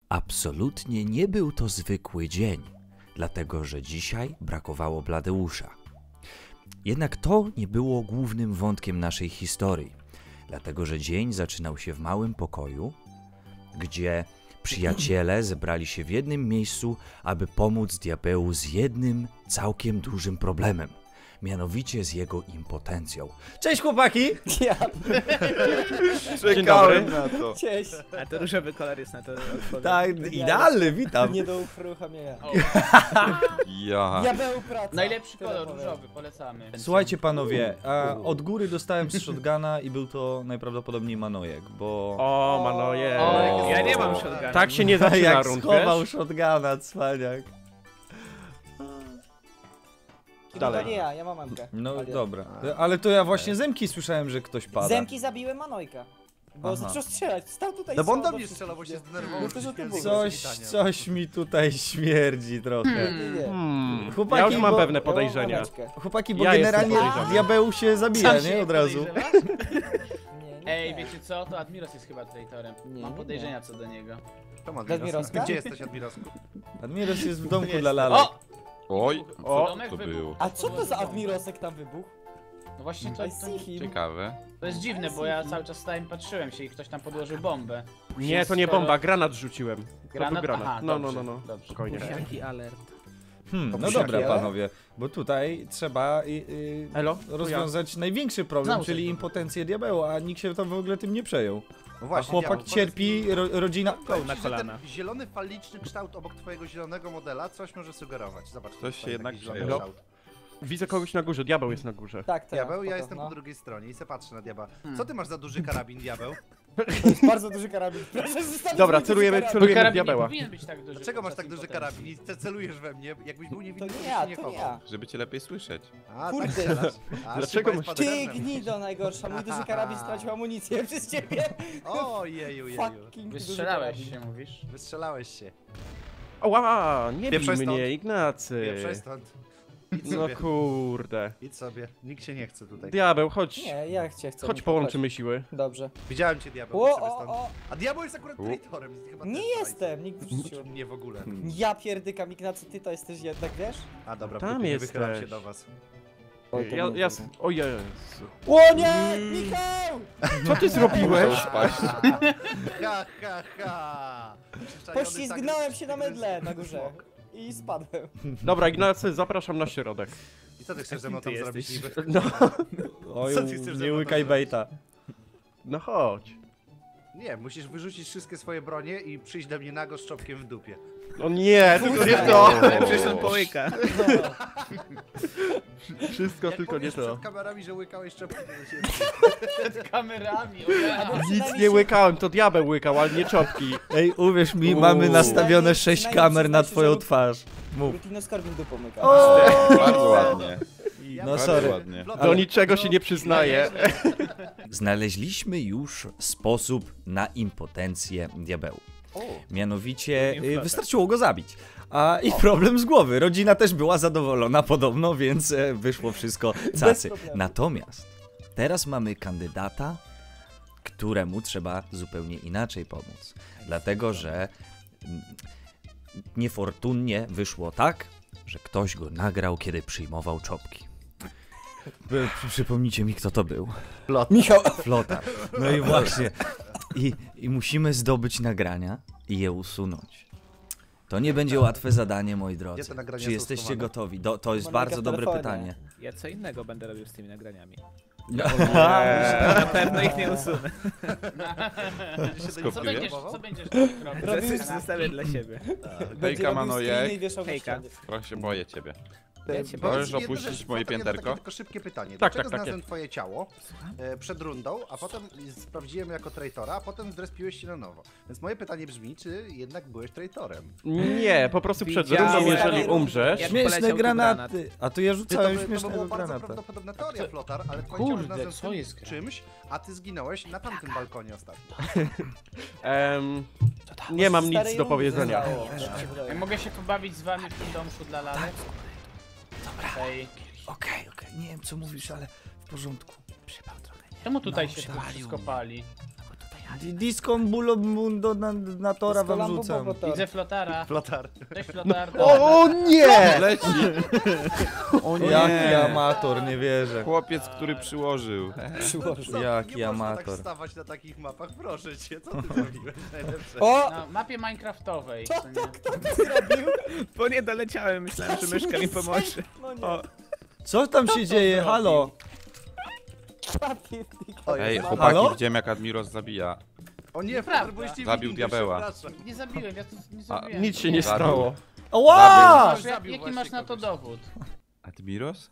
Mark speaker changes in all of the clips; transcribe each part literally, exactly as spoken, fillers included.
Speaker 1: Absolutnie nie był to zwykły dzień, dlatego że dzisiaj brakowało Bladeusza. Jednak to nie było głównym wątkiem naszej historii, dlatego że dzień zaczynał się w małym pokoju, gdzie przyjaciele zebrali się w jednym miejscu, aby pomóc diabełu z jednym całkiem dużym problemem. Mianowicie z jego impotencją. Cześć chłopaki!
Speaker 2: Ja,
Speaker 3: Czekałem na to.
Speaker 2: cześć.
Speaker 4: A to różowy kolor jest na to odpowiedź.
Speaker 1: Tak, idealny, witam.
Speaker 2: Nie do uruchamiania.
Speaker 3: Ja.
Speaker 2: Diabeł praca.
Speaker 4: Najlepszy
Speaker 2: Tyle
Speaker 4: kolor,
Speaker 2: powiem.
Speaker 4: różowy, polecamy.
Speaker 1: Słuchajcie panowie, a od góry dostałem z shotguna i był to najprawdopodobniej Manojek, bo...
Speaker 3: O, Manoje.
Speaker 4: O, ja nie mam shotguna.
Speaker 3: Tak się nie zaczyna
Speaker 1: jak
Speaker 3: rund,
Speaker 1: schował
Speaker 3: wiesz?
Speaker 1: shotguna, cwaniak.
Speaker 3: Dalej.
Speaker 2: To nie ja, ja mam mamkę.
Speaker 1: No
Speaker 2: Ale-
Speaker 1: dobra, ale to ja właśnie Zemki słyszałem, że ktoś pada.
Speaker 2: Zemki zabiły Manojka. Bo
Speaker 1: Aha.
Speaker 2: zaczął strzelać, stał tutaj
Speaker 5: No bo on
Speaker 2: sam
Speaker 5: do mnie
Speaker 2: wszystkich,
Speaker 5: strzelał, bo się
Speaker 2: nie?
Speaker 5: zdenerwował.
Speaker 2: No to, że to było.
Speaker 1: Coś, coś mi tutaj śmierdzi trochę.
Speaker 2: Nie, nie.
Speaker 3: Hmm.
Speaker 1: Chłopaki,
Speaker 3: Ja już mam
Speaker 1: bo-
Speaker 3: pewne
Speaker 2: Ja mam
Speaker 3: podejrzenia.
Speaker 2: mameczkę.
Speaker 1: Chłopaki, bo
Speaker 3: Ja jestem
Speaker 1: generalnie
Speaker 3: podejrzany.
Speaker 1: diabeł się zabija,
Speaker 4: Sam
Speaker 1: nie?
Speaker 4: się
Speaker 1: Od razu.
Speaker 4: podejrzewasz?
Speaker 2: Nie, nie,
Speaker 4: Ej,
Speaker 2: nie.
Speaker 4: wiecie co? To Admiros jest chyba traitorem.
Speaker 2: Nie,
Speaker 4: Mam
Speaker 2: nie,
Speaker 4: podejrzenia co do niego.
Speaker 5: Tom
Speaker 2: Admirowska?
Speaker 5: Admirowska? Gdzie jesteś, Admirowsku?
Speaker 1: Admiros jest w domku
Speaker 4: Jest.
Speaker 1: dla lalek.
Speaker 4: O!
Speaker 3: Oj,
Speaker 4: O,
Speaker 3: co
Speaker 4: domek
Speaker 3: to
Speaker 4: wybuchł.
Speaker 3: było?
Speaker 2: A co to za Admirosek tam wybuchł?
Speaker 4: No właśnie to,
Speaker 2: I
Speaker 4: to,
Speaker 2: see him.
Speaker 3: Ciekawe.
Speaker 4: to jest dziwne, bo ja cały czas stałem i patrzyłem się i ktoś tam podłożył bombę.
Speaker 3: Nie, to nie
Speaker 4: Skoro-
Speaker 3: bomba, granat rzuciłem. To
Speaker 4: Granat?
Speaker 3: był granat.
Speaker 4: Aha,
Speaker 3: No, no,
Speaker 4: dobrze,
Speaker 3: no, no.
Speaker 4: dobrze.
Speaker 3: Spokojnie.
Speaker 4: Jaki alert.
Speaker 1: Hmm, no
Speaker 2: Popusiaki,
Speaker 1: dobra
Speaker 2: ale?
Speaker 1: panowie, bo tutaj trzeba y, y,
Speaker 3: Elo?
Speaker 1: rozwiązać największy problem,
Speaker 4: Znowu
Speaker 1: czyli
Speaker 4: coś.
Speaker 1: impotencję diabełu, a nikt się tam w ogóle tym nie przejął.
Speaker 5: No
Speaker 1: A
Speaker 5: właśnie,
Speaker 1: chłopak
Speaker 5: diabeł,
Speaker 1: cierpi, ro, rodzina...
Speaker 5: Powiem
Speaker 4: na
Speaker 5: ci, że
Speaker 4: kolana.
Speaker 5: ten zielony faliczny kształt obok twojego zielonego modela coś może sugerować. Zobacz.
Speaker 3: Ktoś
Speaker 5: tutaj
Speaker 3: się jednak
Speaker 5: taki zielony
Speaker 3: przejął.
Speaker 5: kształt.
Speaker 3: Widzę kogoś na górze, diabeł jest na górze.
Speaker 2: Tak, to
Speaker 5: Diabeł, ja
Speaker 2: spoko,
Speaker 5: jestem
Speaker 2: no.
Speaker 5: po drugiej stronie i se patrzę na diabeł. Co ty masz za duży karabin, diabeł?
Speaker 2: To jest bardzo duży karabin. Proszę zostawić
Speaker 3: Dobra,
Speaker 2: mi duży
Speaker 3: celujemy,
Speaker 2: karabin.
Speaker 3: celujemy
Speaker 4: Karabin nie
Speaker 3: diabeła.
Speaker 4: powinien być tak duży.
Speaker 5: Dlaczego masz
Speaker 4: podczas
Speaker 5: tak duży
Speaker 4: impotencji.
Speaker 5: karabin i te celujesz we mnie? Jakbyś był
Speaker 2: To
Speaker 5: niewinny,
Speaker 2: nie
Speaker 5: to byś
Speaker 2: ja,
Speaker 5: się nie
Speaker 2: to nie
Speaker 5: chował.
Speaker 2: ja.
Speaker 3: Żeby cię lepiej słyszeć.
Speaker 5: A,
Speaker 2: Kurde.
Speaker 5: tak strzelasz. A,
Speaker 3: Dlaczego
Speaker 5: szybko
Speaker 3: masz-
Speaker 5: jest
Speaker 2: Ty
Speaker 5: padernem.
Speaker 2: gnido najgorsza, mój duży karabin stracił amunicję przez ciebie.
Speaker 5: O, jeju, jeju.
Speaker 2: Fucking duży
Speaker 4: Wystrzelałeś
Speaker 2: karabin.
Speaker 4: się, mówisz?
Speaker 5: Wystrzelałeś się.
Speaker 3: Ła, nie bij
Speaker 5: Pieprzaj stąd.
Speaker 3: mnie, Ignacy.
Speaker 5: Pieprzaj stąd. Idź
Speaker 3: No
Speaker 5: sobie.
Speaker 3: kurde.
Speaker 5: Idź sobie. Nikt się nie chce tutaj.
Speaker 3: Diabeł, chodź.
Speaker 2: Nie, ja cię chcę.
Speaker 3: Chodź,
Speaker 2: Michał,
Speaker 3: połączymy siły.
Speaker 2: chodź. Dobrze.
Speaker 5: Widziałem cię, diabeł.
Speaker 2: O,
Speaker 5: idź sobie
Speaker 2: o,
Speaker 5: stąd.
Speaker 2: o.
Speaker 5: A diabeł jest akurat
Speaker 3: U.
Speaker 5: traitorem. Chyba
Speaker 2: Nie
Speaker 5: też
Speaker 2: jestem, nikt
Speaker 5: traitor.
Speaker 2: wrzucił.
Speaker 5: Nie w ogóle.
Speaker 2: Ja pierdykam, Ignacy, ty to jesteś jednak, wiesz?
Speaker 5: A dobra,
Speaker 3: Tam
Speaker 5: Tam nie
Speaker 3: jesteś.
Speaker 5: wychylam się do was.
Speaker 2: Oj, to
Speaker 3: Ja,
Speaker 2: nie
Speaker 3: ja...
Speaker 2: wiem.
Speaker 3: O Jezu.
Speaker 2: O nie! Michał!
Speaker 3: Co ty zrobiłeś?
Speaker 5: Ha, ha, ha. Przyczajony
Speaker 2: Poślizgnąłem
Speaker 5: tak-
Speaker 2: się na mydle na górze. I spadłem.
Speaker 3: Dobra, Ignacy, zapraszam na środek.
Speaker 5: I co ty chcesz ze mną tam
Speaker 4: Ty
Speaker 5: zrobić niby?
Speaker 3: No,
Speaker 1: Oj,
Speaker 5: Co ty chcesz ze
Speaker 1: nie
Speaker 5: mną
Speaker 1: łykaj
Speaker 5: tam
Speaker 1: bejta.
Speaker 3: no chodź.
Speaker 5: Nie, musisz wyrzucić wszystkie swoje bronie i przyjść do mnie nago z czopkiem w dupie.
Speaker 3: No nie, tylko nie to.
Speaker 4: Przecież on połyka.
Speaker 3: Wszystko,
Speaker 5: Jak
Speaker 3: tylko nie
Speaker 5: powiesz
Speaker 3: to.
Speaker 5: przed kamerami, że łykałeś czopki, to się...
Speaker 4: Przed kamerami, o ja.
Speaker 3: Nic nie łykałem, to diabeł łykał, ale nie czopki.
Speaker 1: Ej, uwierz mi,
Speaker 3: Uuu.
Speaker 1: mamy nastawione
Speaker 2: Przynajmniej-
Speaker 1: sześć
Speaker 2: przynajmniej
Speaker 1: kamer na
Speaker 2: przyznaj się,
Speaker 1: twoją
Speaker 2: że-
Speaker 1: twarz. Mów.
Speaker 2: Rutino Skorbin dupą myka.
Speaker 3: Bardzo ładnie.
Speaker 1: No
Speaker 3: Bardzo
Speaker 1: sorry.
Speaker 3: ładnie.
Speaker 5: Flotar,
Speaker 3: Do niczego się nie
Speaker 5: no,
Speaker 3: przyznaje.
Speaker 1: Znaleźliśmy już sposób na impotencję diabełu.
Speaker 5: O,
Speaker 1: Mianowicie
Speaker 4: Drugi
Speaker 1: y,
Speaker 4: flotar.
Speaker 1: wystarczyło go zabić. A i problem z głowy. Rodzina też była zadowolona podobno, więc e, wyszło wszystko cacy.
Speaker 2: problemu.
Speaker 1: Natomiast teraz mamy kandydata, któremu trzeba zupełnie inaczej pomóc. Dlatego, że mm, niefortunnie wyszło tak, że ktoś go nagrał, kiedy przyjmował czopki. By- przy- Przypomnijcie mi, kto to był.
Speaker 2: Michał!
Speaker 1: Flotar. No i właśnie. I, I musimy zdobyć nagrania i je usunąć. To nie będzie łatwe zadanie, moi
Speaker 5: Gdzie
Speaker 1: drodzy.
Speaker 5: te nagrania
Speaker 1: Czy
Speaker 5: są
Speaker 1: jesteście
Speaker 5: schowane?
Speaker 1: gotowi? Do, to jest
Speaker 2: Monika
Speaker 1: bardzo
Speaker 2: w
Speaker 1: dobre
Speaker 2: telefonie.
Speaker 1: pytanie.
Speaker 4: Ja co innego będę robił z tymi nagraniami.
Speaker 3: Eee,
Speaker 4: Na pewno ich nie usunę.
Speaker 5: Będziesz się do
Speaker 4: Co
Speaker 5: nich
Speaker 4: będziesz,
Speaker 5: próbował?
Speaker 4: co będziesz robił?
Speaker 2: Robimy-
Speaker 4: Zostawię dla siebie.
Speaker 2: Będzie robił
Speaker 3: Manojek.
Speaker 2: screeny i wieszał na
Speaker 4: Hejka.
Speaker 2: ścianie.
Speaker 3: Trochę się boję ciebie.
Speaker 4: Ja cię
Speaker 5: Powiedz
Speaker 3: Możesz
Speaker 5: mi jedną
Speaker 3: opuścić
Speaker 5: rzecz,
Speaker 3: moje
Speaker 5: Flotar, ja mam
Speaker 3: pięterko?
Speaker 5: takie tylko szybkie pytanie.
Speaker 3: Tak,
Speaker 5: Dlaczego
Speaker 3: tak, takie.
Speaker 5: znalazłem twoje ciało e, przed rundą, a potem sprawdziłem jako traitora, a potem zrespiłeś się na nowo. Więc moje pytanie brzmi, czy jednak byłeś traitorem?
Speaker 3: Nie, po prostu przed
Speaker 4: Widziałem.
Speaker 3: rundą, jeżeli
Speaker 2: Jak
Speaker 3: umrzesz...
Speaker 4: poleciał
Speaker 1: Śmieszne
Speaker 4: tu
Speaker 1: granaty. A tu ja
Speaker 5: Ty, to,
Speaker 1: rzucałem
Speaker 5: by, to by
Speaker 1: śmiesznego
Speaker 5: była bardzo
Speaker 1: granata.
Speaker 5: prawdopodobna teoria, Flotar, ale twoje
Speaker 4: Kurde,
Speaker 5: ciało znalazłem
Speaker 4: co
Speaker 5: w tym
Speaker 4: jest gra?
Speaker 5: czymś, a ty zginąłeś na tamtym balkonie ostatnio.
Speaker 3: Em, nie mam nic
Speaker 2: Starej
Speaker 3: do
Speaker 2: rundy
Speaker 3: powiedzenia.
Speaker 2: zostało, tak mi się wydaje.
Speaker 4: Ja mogę się pobawić z wami w tym domku dla lalek? Dobra. Ej,
Speaker 1: Okej, okej, nie wiem co mówisz, ale w porządku.
Speaker 4: czemu tutaj
Speaker 1: No,
Speaker 4: się tu
Speaker 1: przywalił
Speaker 4: wszystko
Speaker 1: mnie.
Speaker 4: pali?
Speaker 6: Di- Disco Bulo Mundo na, na tora wam
Speaker 2: Lambo
Speaker 6: rzucam.
Speaker 2: Bobotor.
Speaker 4: Widzę flotara.
Speaker 5: Flotar.
Speaker 4: Cześć flotar.
Speaker 3: O, o nie!
Speaker 1: Leci!
Speaker 3: O nie!
Speaker 6: Jaki amator, nie wierzę.
Speaker 3: Chłopiec, który przyłożył.
Speaker 2: Przyłożył.
Speaker 5: Co?
Speaker 6: Jaki
Speaker 5: nie można
Speaker 6: amator.
Speaker 5: tak stawać na takich mapach, proszę cię, co ty zrobiłeś? Najlepsze.
Speaker 2: O!
Speaker 4: Na mapie minecraftowej.
Speaker 2: Co
Speaker 4: co nie?
Speaker 2: to, kto to zrobił?
Speaker 7: Bo nie doleciałem, myślałem, że myszka mi pomoże.
Speaker 2: No nie.
Speaker 7: O.
Speaker 6: Co tam się dzieje? Halo?
Speaker 2: Papier,
Speaker 5: O,
Speaker 3: Ej,
Speaker 5: jest
Speaker 3: chłopaki,
Speaker 6: Halo?
Speaker 3: widziałem jak Admiros zabija.
Speaker 5: O nie,
Speaker 4: Nieprawda.
Speaker 5: Flotar, byliście
Speaker 3: Zabił
Speaker 5: winni,
Speaker 3: diabeła.
Speaker 5: przepraszam.
Speaker 4: Nie zabiłem, ja to nie zrobiłem.
Speaker 3: Nic się nie
Speaker 1: Zabił.
Speaker 3: stało.
Speaker 6: Ała!
Speaker 4: Masz, jak,
Speaker 5: Zabił
Speaker 4: jaki
Speaker 5: właśnie
Speaker 4: masz na to
Speaker 5: kogoś.
Speaker 4: dowód?
Speaker 3: Admiros?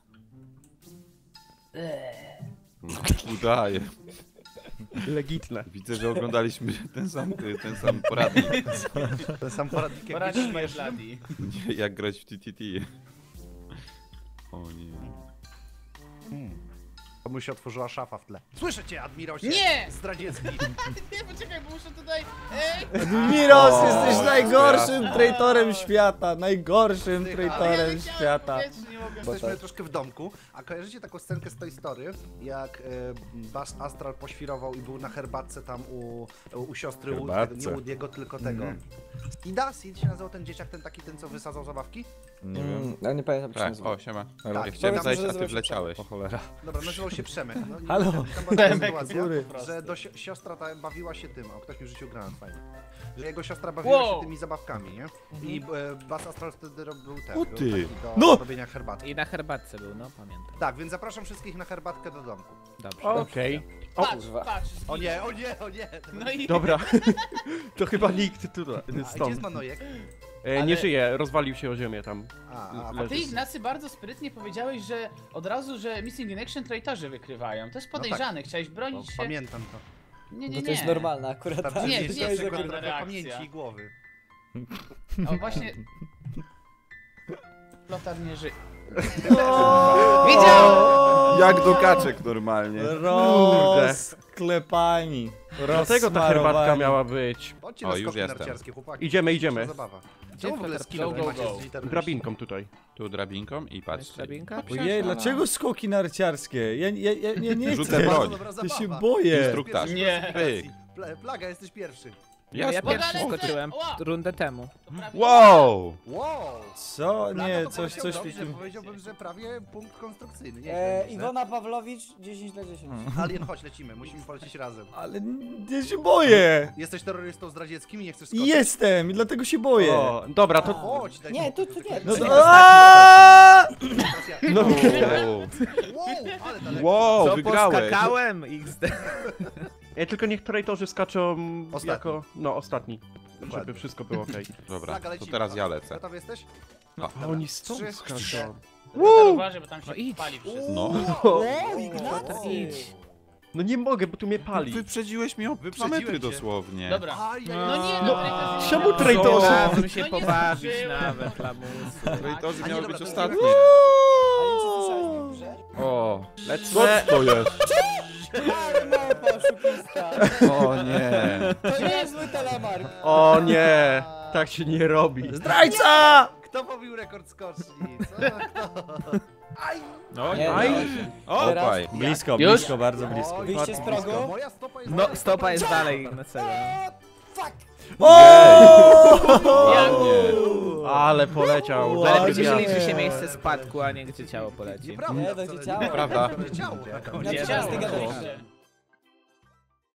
Speaker 3: No, udaje.
Speaker 7: Legitne.
Speaker 3: Widzę, że oglądaliśmy ten sam, ten sam poradnik,
Speaker 5: Ten sam poradnik jak
Speaker 4: Poradź
Speaker 5: być
Speaker 4: mi
Speaker 5: śmieszny.
Speaker 4: Bloody.
Speaker 3: nie, jak grać w T T T. O nie.
Speaker 5: Komu się otworzyła szafa w tle. Słyszę cię, Admirosie!
Speaker 4: Nie!
Speaker 5: Zdradziecki!
Speaker 4: Nie, poczekaj, bo muszę tutaj... Ej!
Speaker 6: Miros,
Speaker 3: O,
Speaker 6: jesteś najgorszym
Speaker 3: teraz.
Speaker 6: traitorem świata. Najgorszym
Speaker 5: Tycha.
Speaker 6: traitorem
Speaker 4: Ja leciałem
Speaker 6: świata.
Speaker 4: w powietrzu, nie mogę.
Speaker 5: Jesteśmy troszkę w domku, a kojarzycie taką scenkę z Toy Story, jak e, Buzz Astral poświrował i był na herbatce tam u, u siostry Woody,
Speaker 6: Herbatce.
Speaker 5: nie Woody'ego, tylko tego. Ida? Sid się nazywał ten dzieciak, ten taki, ten co wysadzał zabawki?
Speaker 6: Nie wiem.
Speaker 2: Mm, ja nie pamiętam, jak się
Speaker 3: Tak,
Speaker 2: nazywa.
Speaker 3: o, siema.
Speaker 6: Ale-
Speaker 3: Ja chciałem
Speaker 5: Powiedz,
Speaker 3: zajść,
Speaker 2: że
Speaker 3: a ty
Speaker 2: nazywa się
Speaker 3: wleciałeś.
Speaker 6: O cholera.
Speaker 5: Dobra, nazywał się Przemek. No, i
Speaker 6: Halo?
Speaker 5: Tam była taka
Speaker 4: Przemek,
Speaker 5: sytuacja,
Speaker 6: który?
Speaker 4: po prostu.
Speaker 5: że do si siostra ta bawiła się tym, o ktoś mi rzucił granat fajnie. Że jego siostra bawiła
Speaker 4: Wow.
Speaker 5: się tymi zabawkami, nie? I e, Buzz Astral wtedy robił ten,
Speaker 3: O
Speaker 5: był
Speaker 3: ty.
Speaker 5: taki do
Speaker 6: No!
Speaker 5: robienia herbatki.
Speaker 7: I na herbatce był, no pamiętam.
Speaker 5: Tak, więc zapraszam wszystkich na herbatkę do domku.
Speaker 7: Dobrze.
Speaker 3: Okej.
Speaker 4: Patrz,
Speaker 2: kurwa.
Speaker 4: patrz.
Speaker 5: O nie, o nie, o nie!
Speaker 4: No i...
Speaker 3: Dobra. To chyba nikt tutaj
Speaker 5: A gdzie jest
Speaker 3: stąd.
Speaker 5: Manojek?
Speaker 3: E,
Speaker 4: Ale-
Speaker 3: nie żyje, rozwalił się o ziemię tam.
Speaker 5: A, a,
Speaker 4: A ty, Ignacy, bardzo sprytnie powiedziałeś, że od razu, że Missing in Action traitorzy wykrywają. To jest podejrzane, chciałeś
Speaker 5: no,
Speaker 4: bronić się...
Speaker 5: pamiętam to.
Speaker 4: Nie, nie,
Speaker 2: No
Speaker 4: nie.
Speaker 2: to jest normalne akurat.
Speaker 5: Tam
Speaker 2: tak.
Speaker 4: Nie,
Speaker 5: jest
Speaker 4: to nie jest
Speaker 5: tylko
Speaker 4: normalna
Speaker 5: trochę
Speaker 4: reakcja.
Speaker 5: pamięci i głowy.
Speaker 4: O, właśnie... Flotar nie żyje.
Speaker 6: Widział!
Speaker 3: Jak do kaczek normalnie.
Speaker 6: Rozklepani.
Speaker 3: Dlatego ta herbatka miała być.
Speaker 5: Chodźcie
Speaker 3: O,
Speaker 5: na
Speaker 3: już
Speaker 5: skoki
Speaker 3: jestem.
Speaker 5: narciarskie, chłopaki.
Speaker 3: Idziemy,
Speaker 5: Dzisiejsza
Speaker 3: idziemy.
Speaker 5: Zabawa. Czemu w ogóle
Speaker 4: Go,
Speaker 5: skillowy
Speaker 4: go,
Speaker 5: macie
Speaker 4: go.
Speaker 5: z literą
Speaker 3: Drabinką tutaj. Tu drabinką i patrzcie.
Speaker 7: Drabinka?
Speaker 6: Ojej, dlaczego skoki narciarskie? Ja, ja, ja, ja nie
Speaker 3: Rzucę
Speaker 6: chcę.
Speaker 3: broń.
Speaker 5: Bardzo dobra
Speaker 6: Ja
Speaker 5: zabawa.
Speaker 6: się boję.
Speaker 3: Instruktaż.
Speaker 4: Nie.
Speaker 3: Pyk.
Speaker 5: Pla- Plaga, jesteś pierwszy.
Speaker 7: Ja, ja
Speaker 3: Jasne.
Speaker 7: pierwszy
Speaker 4: Ła.
Speaker 7: skoczyłem
Speaker 4: Ła.
Speaker 7: rundę temu.
Speaker 3: Wow!
Speaker 5: Wow!
Speaker 6: Co?
Speaker 5: Plaga
Speaker 6: Nie,
Speaker 5: to
Speaker 6: coś,
Speaker 5: powiedział
Speaker 6: coś mi
Speaker 5: dobrze,
Speaker 6: tym...
Speaker 5: powiedziałbym, że prawie punkt konstrukcyjny. Nie,
Speaker 2: E,
Speaker 5: źle,
Speaker 2: Iwona Pawlowicz, dziesięć na dziesięć.
Speaker 5: Alien, chodź, lecimy, musimy polecieć razem.
Speaker 6: Ale ja się boję.
Speaker 5: Jesteś terrorystą zdradzieckim i nie chcesz skoczyć?
Speaker 6: Jestem i dlatego się boję.
Speaker 3: O, dobra, to.
Speaker 5: Chodź, daj
Speaker 2: Nie,
Speaker 5: mi
Speaker 2: tu,
Speaker 5: spokój,
Speaker 2: tu
Speaker 5: to
Speaker 2: nie.
Speaker 5: czekaj.
Speaker 6: No
Speaker 2: tu
Speaker 6: to...
Speaker 2: nie.
Speaker 6: Aaaa!
Speaker 5: Teraz ja-
Speaker 3: No.
Speaker 5: Wow, ale daleko.
Speaker 3: Wow,
Speaker 7: Co
Speaker 3: wygrałeś.
Speaker 7: poskakałem? X D.
Speaker 3: Ja tylko niech traitorzy skaczą
Speaker 5: Ostatni.
Speaker 3: jako. No, ostatni.
Speaker 5: Dokładnie.
Speaker 3: Żeby wszystko było okej. Dobra,
Speaker 5: Plaga,
Speaker 3: to
Speaker 5: lecimy.
Speaker 3: teraz ja lecę.
Speaker 5: Gotowy jesteś?
Speaker 3: A oni stąd
Speaker 5: Trzy,
Speaker 3: skaczą.
Speaker 5: cztery.
Speaker 4: Flotar, uważaj, bo tam się
Speaker 7: No idź.
Speaker 4: pali wszystko.
Speaker 3: No.
Speaker 2: Wow, Ignacy.
Speaker 7: Idź.
Speaker 3: No nie mogę, bo tu mnie pali.
Speaker 8: Wyprzedziłeś mnie o
Speaker 5: Wyprzedziłem
Speaker 3: metry
Speaker 5: cię.
Speaker 3: dosłownie.
Speaker 4: Dobra.
Speaker 5: Aj, aj,
Speaker 4: No nie,
Speaker 7: No,
Speaker 4: no traitorzy...
Speaker 3: czemu
Speaker 4: nie-
Speaker 3: traitorzy?
Speaker 7: Chciałbym się
Speaker 4: No nie
Speaker 7: pobawić
Speaker 4: zdążyłem.
Speaker 7: nawet, lamusy.
Speaker 3: Traitorzy
Speaker 5: A nie,
Speaker 3: miały
Speaker 5: dobra,
Speaker 3: być
Speaker 5: to
Speaker 3: ostatnie.
Speaker 2: A nie, czy słyszałeś mnie w grze?
Speaker 3: O,
Speaker 6: Co
Speaker 3: lecę.
Speaker 6: to jest?
Speaker 2: Ale małpa, oszukista.
Speaker 3: O nie.
Speaker 2: To nie jest zły telemark.
Speaker 3: O nie. Tak się nie robi.
Speaker 6: Zdrajca!
Speaker 5: Kto pobił rekord skoczni? Co?
Speaker 7: No,
Speaker 2: Nie,
Speaker 3: Aj.
Speaker 2: no. Teraz-
Speaker 3: Opaj.
Speaker 6: Blisko,
Speaker 4: Już?
Speaker 6: blisko, bardzo blisko.
Speaker 5: Oj,
Speaker 2: Wyjście z
Speaker 5: blisko.
Speaker 2: progu?
Speaker 5: Moja stopa jest
Speaker 7: no
Speaker 5: dalej,
Speaker 7: stopa jest dalej na celu.
Speaker 2: Fuck!
Speaker 3: Ładnie. Ale poleciał.
Speaker 6: Ładnie.
Speaker 7: Ale
Speaker 3: Dobry
Speaker 7: się
Speaker 3: wiatr.
Speaker 7: liczy się miejsce spadku, a nie gdzie ciało poleci.
Speaker 5: Nieprawda,
Speaker 2: Nie,
Speaker 5: wcale
Speaker 2: to
Speaker 5: nie.
Speaker 2: ciało.
Speaker 5: Nieprawda. Ciało.
Speaker 2: Ja
Speaker 4: Nie,
Speaker 2: teraz
Speaker 4: ciało.
Speaker 2: ty gadałeś.
Speaker 4: Dobrze.